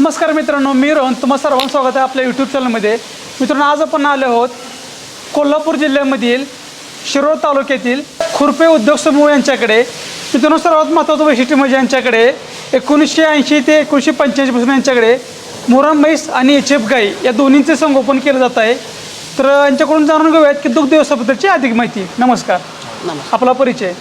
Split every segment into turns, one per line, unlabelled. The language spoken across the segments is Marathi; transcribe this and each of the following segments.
नमस्कार मित्रांनो, मी रोहन तुम्हा सर्वांचं स्वागत आहे आपल्या यूट्यूब चॅनलमध्ये. मित्रांनो, आज आपण आलो आहोत कोल्हापूर जिल्ह्यामधील शिरोळ तालुक्यातील खुरपे उद्योग समूह यांच्याकडे. मित्रांनो, सर्वात महत्त्वाचं वैशिष्ट्य म्हणजे यांच्याकडे 1980 ते 1985 यांच्याकडे मोरा म्हैस आणि एच.एफ. गाई या दोन्हींचे संगोपन केलं जात आहे. तर यांच्याकडून जाणून घेऊयात की दुग्ध व्यवसायाबद्दलची अधिक माहिती. नमस्कार. आपला परिचय.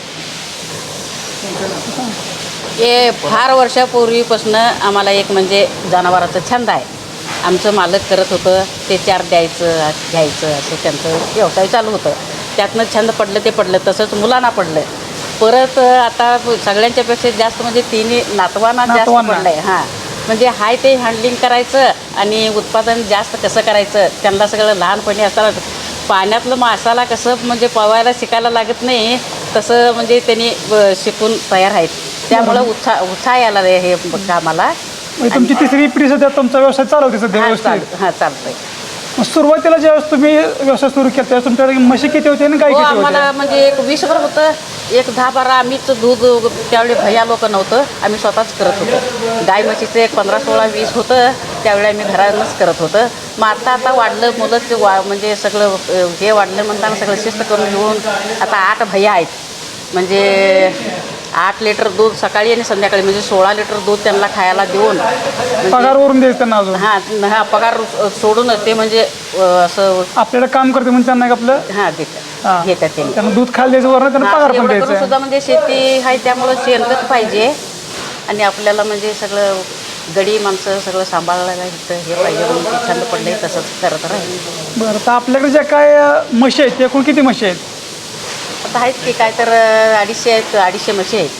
हे फार वर्षापूर्वीपासून आम्हाला एक म्हणजे जनावरांचा छंद आहे. आमचं मालक करत होतं, ते चार द्यायचं घ्यायचं असं त्यांचं व्यवसाय चालू होतं. त्यातनं छंद पडलं ते पडलं, तसंच मुलांना पडलं. परत आता सगळ्यांच्यापेक्षा जास्त म्हणजे तिन्ही नातवांना जास्त पडलं आहे. हां, म्हणजे हाय ते हँडलिंग करायचं आणि उत्पादन जास्त कसं करायचं त्यांना सगळं लहानपणी असताना पाण्यातलं मासाला कसं म्हणजे पवायला शिकायला लागत नाही तसं म्हणजे त्यांनी शिकून तयार आहेत. त्यामुळं उत्साह यायला हे कामाला.
तुमची तिसरी पिढी सध्या तुमचा व्यवसाय चालवते सध्या व्यवस्थित?
हां, चालतंय.
सुरुवातीला ज्यावेळेस तुम्ही व्यवसाय सुरू केला त्यावेळेस तुमच्याकडे म्हशी किती होते आणि गाय किती होते?
आम्हाला म्हणजे एक 20भर होतं, एक 10-12. आम्हीच दूध त्यावेळी भैया लोक नव्हतं, आम्ही स्वतःच करत होतो. गाय म्हशीचं एक 15-16-20 होतं, त्यावेळी आम्ही घरानंच करत होतं. मग आता वाढलं, मुलंच म्हणजे सगळं हे वाढलं म्हणताना सगळं शिस्त करून घेऊन आता 8 भैया आहेत. म्हणजे 8 लिटर दूध सकाळी आणि संध्याकाळी म्हणजे 16 लिटर दूध त्यांना खायला देऊन
पगारवरून द्यायचं त्यांना अजून?
हां, पगार सोडून ते म्हणजे असं
आपल्याला काम करते म्हणजे त्यांना आपलं
घेतात
त्यांना दूध खायला द्यायचं, वरून त्यांना पगार पण द्यायचा.
सुद्धा म्हणजे शेती आहे त्यामुळं शेणखत पाहिजे आणि आपल्याला म्हणजे सगळं गडी माणसं सगळं सांभाळायला इथं हे पाहिजे म्हणून ते छंद पडले तसंच करत राहील.
बरं, तर आपल्याकडे ज्या काय म्हशी आहेत एकूण किती म्हशी आहेत?
आता आहेत की काय तर 250 आहेत, 250 म्हशी आहेत.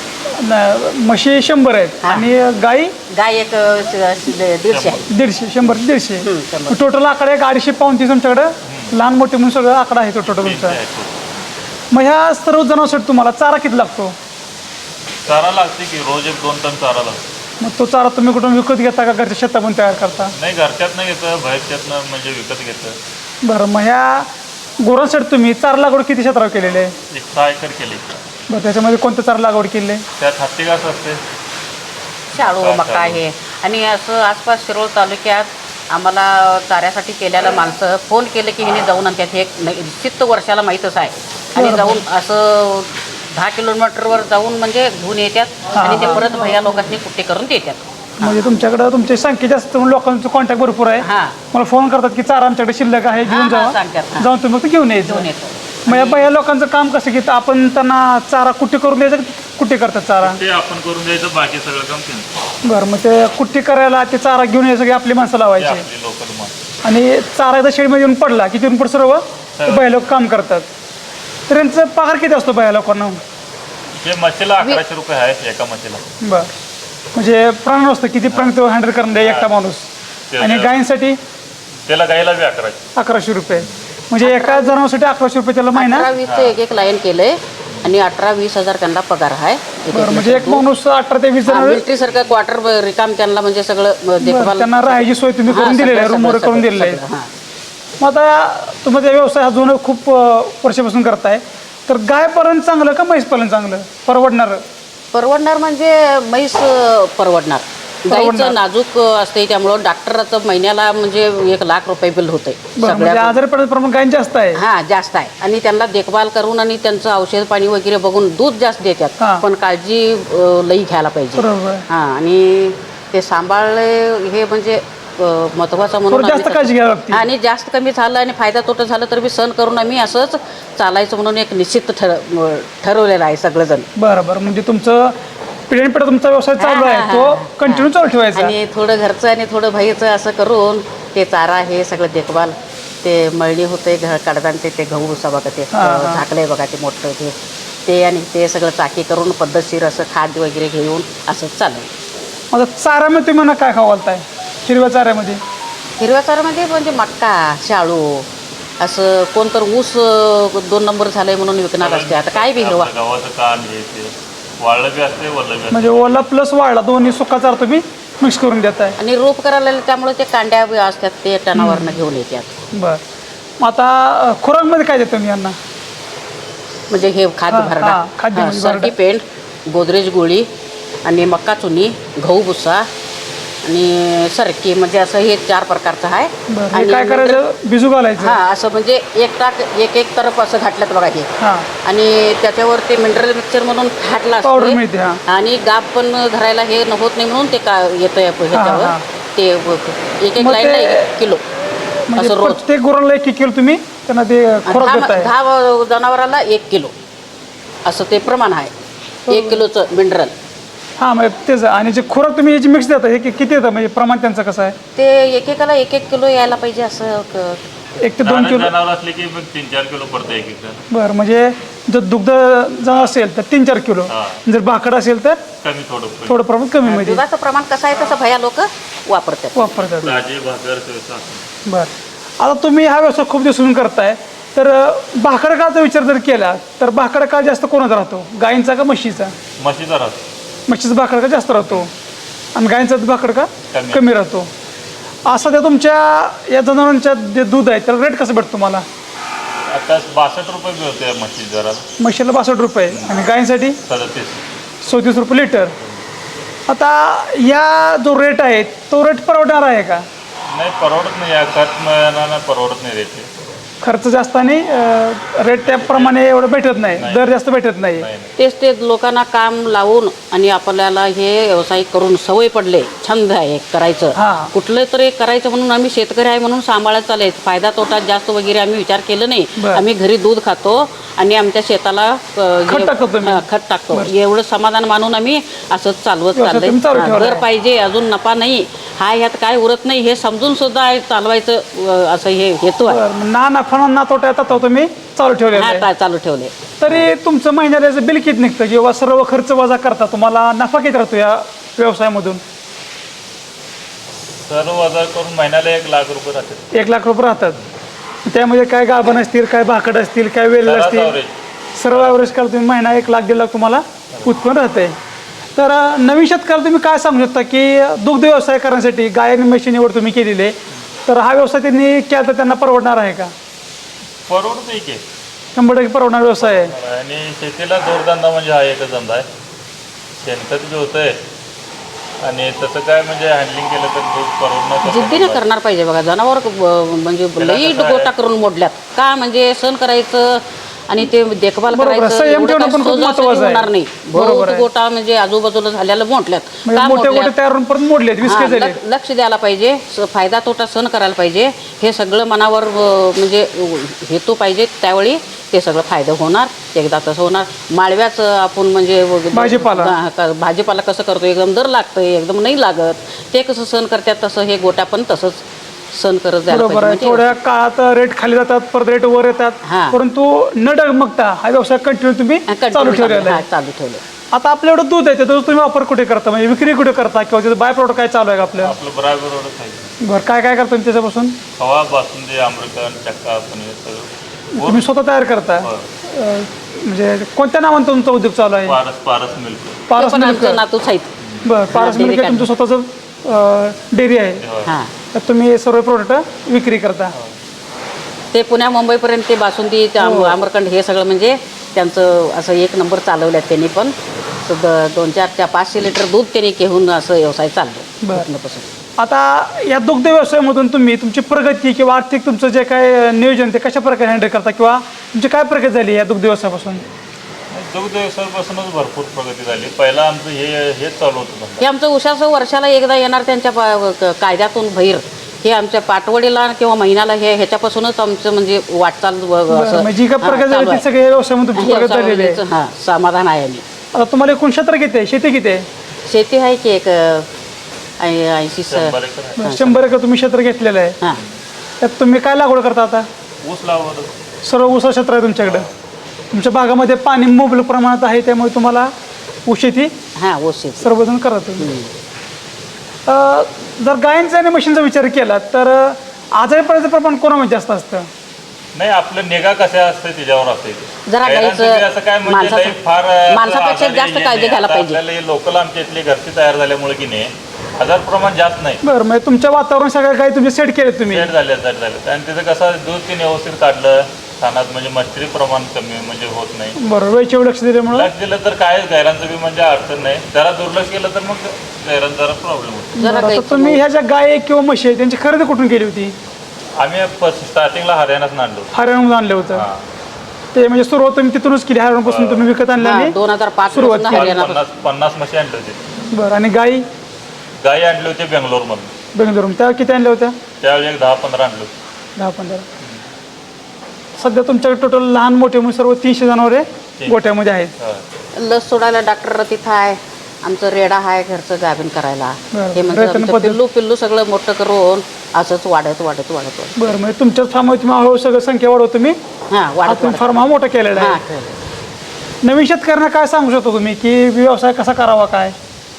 म्हशी 100 आहेत आणि गाई
एक 150 आहे.
150 टोटल आकडा एक 250 पाऊण 30 तुमच्याकडे लहान मोठे म्हणून सगळं आकडा आहे तो टोटल तुमचा. मग ह्या सर्व जनावरांसाठी तुम्हाला चारा किती लागतो?
चारा लागते की रोज 1-2 टन चारा लागतो.
मग तो चारा तुम्ही कुठून विकत घेता का घरच्या शेतातून तयार करता?
नाही, घरच्यातनं घेतं, बाहेरच्यातनं म्हणजे विकत घेतं.
बरं, मग ह्या गुरांसाठी तुम्ही चारा लागवड किती क्षेत्रावर केलेली आहे?
6 एकर केली.
बरं, त्याच्यामध्ये कोणतं चारा लागवड केली आहे?
त्यात हत्ती घास असते,
शाळू मका आहे. आणि असं आसपास शिरोळ तालुक्यात आम्हाला चाऱ्यासाठी केलेलं माणसं फोन केलं की हिने जाऊन आणतात. हे निश्चित वर्षाला माहीतच आहे. आणि जाऊन असं 10 किलोमीटरवर जाऊन म्हणजे घेऊन येतात आणि ते परत भैया लोकांनी कुट्टे करून देतात.
म्हणजे तुमच्याकडं तुमची संख्या जास्त लोकांचं कॉन्टॅक्ट भरपूर आहे. मला फोन करतात की चारा आमच्याकडे शिल्लक आहे, घेऊन जाऊन तुम्ही फक्त घेऊन यायचं. मग या बाया लोकांचं काम कसं की आपण त्यांना चारा कुट्टी करून द्यायचं, कुट्टी करतात चारा
ते आपण करून द्यायचं, बाकी सगळं काम त्यांचं.
बरं, मग ते कुट्टी करायला ते चारा घेऊन यायचं की आपली माणसं लावायची
लोकल माणसं.
आणि चारा एकदा शेडमध्ये येऊन पडला की तिथून पुढे सर्व बाया लोक काम करतात. तर यांचा पगार किती असतो बाया लोकांना?
ते म्हशीला 1100 रुपये आहेत एका म्हशीला.
बरं, म्हणजे प्राण असतं किती प्राण तो हँडल करून द्या एकटा माणूस. आणि गायींसाठी
त्याला गायला बी
1100 रुपये. म्हणजे एका जनावरांसाठी 1100 रुपये त्याला महिना.
18-20 एक लाईन केलंय आणि 18-20 हजार त्यांना पगार आहे.
बरं, म्हणजे एक माणूस 18 ते 20 जण
मिलिटरीसारखं क्वार्टर रिकाम त्यांना म्हणजे सगळं देखभाल
त्यांना राहायची सोय तुम्ही करून दिलेली आहे, रूमवर करून दिलेलं आहे. मग आता तुम्ही व्यवसाय हा जुनं खूप वर्षापासून करताय, तर गाय पालन चांगलं का म्हैस पालन चांगलं
परवडणार? म्हणजे म्हैस परवडणार. गाईचं नाजूक असते त्यामुळं डॉक्टराचं महिन्याला म्हणजे 1 लाख रुपये बिल होते.
आजारी पडण्याचं प्रमाण गाय जास्त आहे.
हां, जास्त आहे. आणि त्यांना देखभाल करून आणि त्यांचं औषध पाणी वगैरे बघून दूध जास्त देतात, पण काळजी लई घ्यायला पाहिजे. हां, आणि ते सांभाळले हे म्हणजे महत्वाचं म्हणून
जास्त काळजी घ्यावी लागते.
आणि जास्त कमी झालं आणि फायदा तोटा झालं तर मी सहन करून आम्ही असंच चालायचं म्हणून एक निश्चित ठरवलेलं आहे सगळेजण.
बरं, म्हणजे तुमचं पिढ्यानपिढ्या तुमचा व्यवसाय चालू आहे, तो कंटिन्यू चालू ठेवायचा.
आणि थोडं घरचं आणि थोडं बाहेरचं असं करून ते चारा हे सगळं देखभाल, ते मळणी होते कडदांचे, ते गहू भुसा बघा, ते झाकलंय बघा ते मोठं ते आणि ते सगळं चाकी करून पद्धतशीर असं खाद्य वगैरे घेऊन असंच चालू.
मग चाऱ्यामध्ये तुम्ही म्हणा काय खावालताय? हिरव्या चाऱ्यामध्ये
म्हणजे मक्का, शाळू, असं कोणतर ऊस 2 नंबर झालंय म्हणून विकणार असते. आता काय बी हिरवा
गव्हाचं कान हे ते वाळलं बी असते, वल्लं बी असते.
म्हणजे ओला प्लस वाळला दोन्ही सुका चारा तुम्ही मिक्स करून देताय.
आणि रोप करायला त्यामुळे ते कांड्या असतात ते टनावरनं घेऊन येतात.
बरं, मग आता खुराकमध्ये काय देतो मी यांना?
म्हणजे हे खाद्य भरडा, सर्दी पेंट, गोदरेज गोळी आणि मक्का चुनी, गहू भुसा आणि सरकी म्हणजे असं हे 4 प्रकारचं आहे.
बरं हे काय करायचं बिजू घालायचं
हा असं म्हणजे एक तरफ असं घातलं बघा हे.
हां
आणि त्याच्यावर ते मिनरल मिक्सचर म्हणून घातलं
पावडर
असतं
मिळते हां
आणि गाप पण धरायला हे होत नाही म्हणून ते का येतं ह्याच्यावर
हां.
ते एक
मग
लाईनला
ते-
1 किलो
म्हणजे
असं रोज.
प्रत्येक गुराला 1 किलो तुम्ही त्यांना ते खुराक देताय.
10 जनावराला 1 किलो असं ते प्रमाण आहे. 1 किलोचं मिनरल
हां म्हणजे तेच आणि जे खुराक तुम्ही याची मिक्स देता हे किती येतं म्हणजे प्रमाण त्यांचं कसं आहे
ते एकेकाला 1 किलो यायला पाहिजे असं
1 ते 2 किलो.
जनावर असले की मग 3-4 किलो पडतं एक एक
बरं म्हणजे जर दुग्ध जर असेल तर 3-4 किलो
हां.
जर भाकड असेल तर
कमी थोडं
थोडं प्रमाण कमी मध्ये
दुधाचं प्रमाण कसं आहे तसं भया लोक वापरतात.
वापरतात.
ताजे भाकर असं.
बरं आता तुम्ही हा व्यवसाय खूप दिवसांपासून करताय तर भाकड काळाचा विचार जर केला तर भाकड काळ जास्त कोणाचा राहतो गायींचा का म्हशीचा?
म्हशीचा राहतो.
म्हशीचा भाकड का जास्त राहतो आणि गायींचा भाकड का
कमी.
कमी राहतो. असं त्या तुमच्या या जनावरांच्या जे दूध आहे त्याला रेट कसं भेटतो तुम्हाला?
आता 62 रुपये मिळते म्हशी जरा.
म्हशीला 62 रुपये आणि गायींसाठी
37.
34 रुपये लिटर. आता या जो रेट आहे तो रेट परवडणार आहे का?
नाही परवडत नाही, या खत मिळणार परवडत नाही रेट.
खर्च जास्त आणि रेट त्याप्रमाणे एवढं भेटत नाही, दर जास्त भेटत नाही.
तेच ते लोकांना काम लावून आणि आपल्याला हे व्यवसाय करून सवय पडले, छंद आहे एक करायचं.
हां.
कुठलं तरी एक करायचं म्हणून आम्ही शेतकरी आहे म्हणून सांभाळत चालले. फायदा तोटा जास्त वगैरे आम्ही विचार केलं नाही.
बरं.
आम्ही घरी दूध खातो आणि आमच्या शेताला
खत टाकतो तुम्ही?
खत टाकतो. एवढं समाधान मानून आम्ही असंच चालवत
व्यवसाय तुम्ही चालू
चाललंय.
ठेवलाय.
दर पाहिजे अजून नफा नाही हा ह्यात काय उरत नाही हे समजून सुद्धा चालवायचं असं हे हेतू आहे.
बरं, ना नफा ना तोटा येतात तो तुम्ही चालू ठेवलेला आहे.
हा चालू ठेवले.
तरी तुमचं महिन्याला याचं बिल किती निघतं किंवा सर्व खर्च वजा करता तुम्हाला नफा किती राहतो या व्यवसायामधून?
सर्व बाजार करून महिन्याला 1 लाख रुपये राहतात.
1 लाख रुपये राहतात. त्यामध्ये काय गाभण असतील, काय भाकड असतील, काय वेल
सरास
असतील,
average.
सर्व ॲव्हरेज काल तुम्ही महिना 1 लाख 1.5 लाख तुम्हाला उत्पन्न राहतंय. तर नवीन शेतकऱ्याला तुम्ही काय सांगू शकता की दुग्ध व्यवसाय करण्यासाठी गाय आणि म्हशी निवड तुम्ही केलेली आहे तर हा व्यवसाय त्यांनी केला तर त्यांना परवडणार आहे का?
परवडत नाही की.
100% परवडणार व्यवसाय आहे.
आणि शेतीला जोडधंदा म्हणजे हा एकच धंदा आहे. शेणखत बी होतंय आणि तसं काय म्हणजे हँडलिंग केलं तर दूध परवडणार.
जिद्दीने करणार पाहिजे बघा. जनावर म्हणजे लई
कसं आहे?
गोटा करून मोडल्यात का म्हणजे सण करायचं आणि ते देखभाल
बरोबर आहे.
करायचं
संयम
एवढं
ठेवणं
काय
पण खूप
सहजासहजी
महत्त्वाचं आहे.
होणार नाही.
बरोबर
बहुत
आहे.
गोटा म्हणजे आजूबाजूला झालेलं मोडल्यात
म्हणजे
का
मोठे मोठे
मोडल्यात?
तयार होऊन परत मोडलेत, विस्के
हा,
झाले.
लक्ष द्यायला पाहिजे. फायदा तोटा सण करायला पाहिजे. हे सगळं मनावर म्हणजे हेतू पाहिजे त्यावेळी ते सगळं फायदा होणार. एकदा तसं होणार. माळव्याचं आपण म्हणजे भाजीपाला कसं करतो एकदम दर लागतं एकदम नाही लागत. ते कसं सण करतात तसं हे गोट्या पण तसंच सण करत जायला
बरोबर आहे.
पाहिजे. म्हणजे
थोड्या काळात रेट खाली जातात, परत रेट वर येतात,
हां.
परंतु न डगमगता हा व्यवसाय कंटिन्यू तुम्ही चालू ठेवलेला आहे.
चालू ठेवलं.
आता आपल्या एवढं दूध आहे त्याचा तुम्ही वापर कुठे करता म्हणजे विक्री कुठे करता किंवा त्याचं बाय प्रोडक्ट काय चालू आहे का आपलं?
आपलं बरोबरच आहे.
बरं काय काय करता तुम्ही त्याच्यापासून?
खवा, बासुंदी, आम्रखंड, चक्का, पनीर सगळं.
तुम्ही स्वतः तयार करता म्हणजे कोणत्या नावानं तुमचा उद्योग चालू आहे?
पारस मिल्क.
पारस
पण
मिल्क.
आमचं नातूच आहेत.
बरं पारस
डेअरी
मिल्क हे तुमचं स्वतःचं डेअरी आहे
हां.
तर तुम्ही सर्व प्रोडक्ट विक्री करता.
ते पुण्या मुंबईपर्यंत ते बासुंदी ते आमरखंड हे सगळं म्हणजे त्यांचं असं 1 नंबर चालवल्यात त्यांनी पण. 2-4-500 लिटर दूध त्यांनी घेऊन असं व्यवसाय चाललो
बरं.
पूर्णपासून.
आता या दुग्ध व्यवसायामधून तुम्ही तुमची प्रगती किंवा आर्थिक तुमचं जे काय नियोजन ते कशा प्रकारे हँडल करता किंवा तुमची काय प्रगती झाली या दुग्ध व्यवसायापासून?
दुग्ध व्यवसायापासूनच भरपूर प्रगती झाली. पहिला आमचं हेच चालू होतं धंदा.
हे आमचं उशाचं वर्षाला एकदा येणार त्यांच्या कायद्यातून बाहेर हे आमच्या पाटवडीला किंवा महिन्याला ह्याच्यापासूनच आमचं म्हणजे वाटचाल
बरं, म्हणजे जी काय प्रगती
चालू
झाली
आहे.
ती सगळ्या व्यवसायामध्ये तुमची प्रगती झालेली आहे.
हां समाधान आहे. आम्ही
आता तुम्हाला एकूण क्षेत्र किती आहे, शेती किती आहे?
शेती आहे की एक 80
100 एकर आहे.
बरं, 100 एकर तुम्ही क्षेत्र घेतलेलं आहे.
हां.
त्यात तुम्ही काय लागवड करता आता?
ऊस लावलं.
सर्व ऊसा क्षेत्र आहे तुमच्याकडं. तुमच्या भागामध्ये पाणी मुबलक प्रमाणात आहे त्यामुळे तुम्हाला ऊस शेती
हां ऊस शेती.
सर्वजण करत तुम्ही. जर गायींचा आणि म्हशींचा विचार केला तर आजारी पडायचं प्रमाण कोणामध्ये जास्त असतं?
नाही आपलं निगा कशा असते त्याच्यावर असते.
जरा गाईचं
असं काय म्हणजे
माणसाचं-
लई फार
माणसापेक्षा जास्त काळजी घ्यायला पाहिजे.
आपल्याला लोकल आमच्या इथली घरची तयार झाल्यामुळे की नाही आजार प्रमाण जास्त नाही.
बरं म्हणजे तुमच्या वातावरण सगळ्या गायी तुम्ही सेट केले तुम्ही?
सेट झाले आणि तिथं कसं दूध तीन व्यवस्थित काढलं खाण्यात म्हणजे मच्छरी प्रमाण कमी म्हणजे होत नाही.
बरोबर, वेळच्या वेळी लक्ष दिल्यामुळं
लक्ष दिलं तर काय गायरांचं बी म्हणजे अडचण नाही. जरा दुर्लक्ष केलं तर मग गायरांचा जरा प्रॉब्लेम होतो.
जरा
बरं, आता
गाईचं
तुम्ही ह्या ज्या गाय किंवा म्हशी आहेत त्यांची खरेदी कुठून केली होती?
आम्ही स्टार्टिंगला हरियाणात आणलो.
हरियाणाहून आणलं होतं.
हां,
ते म्हणजे सुरुवात तुम्ही तिथूनच केली, हरियाणापासून तुम्ही विकत आणलं आणि
2005
सुरुवात
पासून
केली.
हरियाणा
50 म्हशी आणली होती.
बरं, आणि गाई
गाई आणली होती बेंगलोरमधून.
बेंगलोरून त्या किती आणल्या होत्या?
त्यावेळी एक 10-15 आणलो.
10-15. सध्या तुमच्याकडे टोटल लहान मोठे म्हणून सर्व 300 जनावरे गोठ्यामध्ये आहेत.
लस सोडायला डॉक्टर तिथं आहे. आमचं रेडा आहे घरचं गाभीन करायला.
बरं.
हे म्हणजे
रेतन
आमचं
पद्धत.
पिल्लू सगळं मोठं करून असंच वाढत
बरं, म्हणजे तुमच्याच फार्मवर तुम्ही हळूहळू सगळं संख्या वाढवत तुम्ही
हां वाढत
तुम्ही फार्म हा मोठा केलेला
हां
आहे. नवीन शेतकऱ्यांना काय सांगू शकतो तुम्ही की व्यवसाय कसा करावा काय?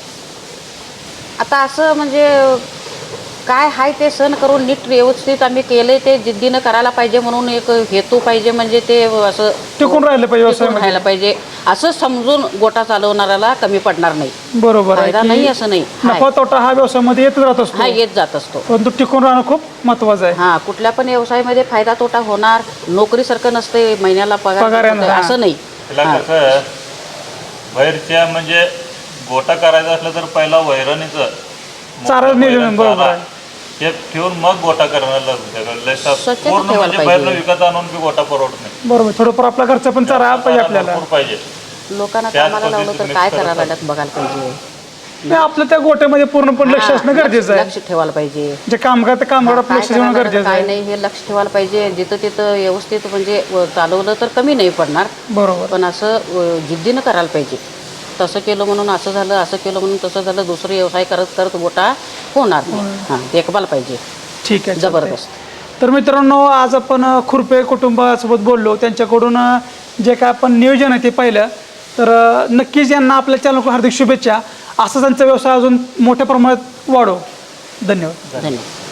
आता असं म्हणजे काय आहे ते सण करून नीट व्यवस्थित आम्ही केले ते जिद्दीनं करायला पाहिजे म्हणून एक हेतू पाहिजे. म्हणजे ते असं
टिकून राहिलं पाहिजे
टिकून
व्यवसायामध्ये.
राहायला पाहिजे असं समजून गोटा चालवणाऱ्याला कमी पडणार नाही.
बरोबर आहे
फायदा
की
नाही असं नाही.
नफा तोटा हा व्यवसायामध्ये येतच राहत असतो,
हा येत जात असतो.
परंतु टिकून राहणं खूप महत्वाचं आहे.
हा कुठल्या पण व्यवसायामध्ये फायदा तोटा होणार. नोकरीसारखं नसते महिन्याला
पगार
पगार
येणार, हा.
असं नाही.
तिला कसं बाहेरच्या म्हणजे गोटा करायचा असलं तर पहिला वैरणीचं
चारा नियोजन बरोबर आहे.
ते ठेवून मग गोटा करायला लागतं.
स्वच्छता
पूर्ण
ठेवायला
म्हणजे बाहेरनं
पाहिजे.
विकत आणून बी गोटा परवडत नाही.
बरोबर, थोडंफार आपला घरचा पण चारा पाहिजे आपल्याला.
भरपूर पाहिजे.
लोकांना
त्याच
कामाला लावलं तर
पद्धतीने
काय
करत
करायला
आहे.
लागत बघायला पाहिजे.
नाही, आपलं त्या गोट्यामध्ये पूर्णपणे लक्ष असणं
हा,
गरजेचं आहे.
लक्ष ठेवायला पाहिजे.
जे कामगार त्या कामगार
काय
लक्ष देणं
करायला
गरजेचं
काय
आहे.
नाही हे लक्ष ठेवायला पाहिजे. जिथं तिथं व्यवस्थित म्हणजे चालवलं तर कमी नाही पडणार.
बरोबर.
पण असं जिद्दीनं करायला पाहिजे. तसं केलं म्हणून असं झालं, असं केलं म्हणून तसं झालं, दुसरं व्यवसाय करत करत गोटा होणार नाही. हां देखभाल पाहिजे
ठीक आहे,
जबरदस्त.
तर मित्रांनो, आज आपण खुरपे कुटुंबासोबत बोललो. त्यांच्याकडून जे काय आपण नियोजन आहे ते पाहिलं. तर नक्कीच यांना आपल्या चॅनलकडून हार्दिक शुभेच्छा. असं त्यांचा व्यवसाय अजून मोठ्या प्रमाणात वाढो. धन्यवाद.
धन्यवाद.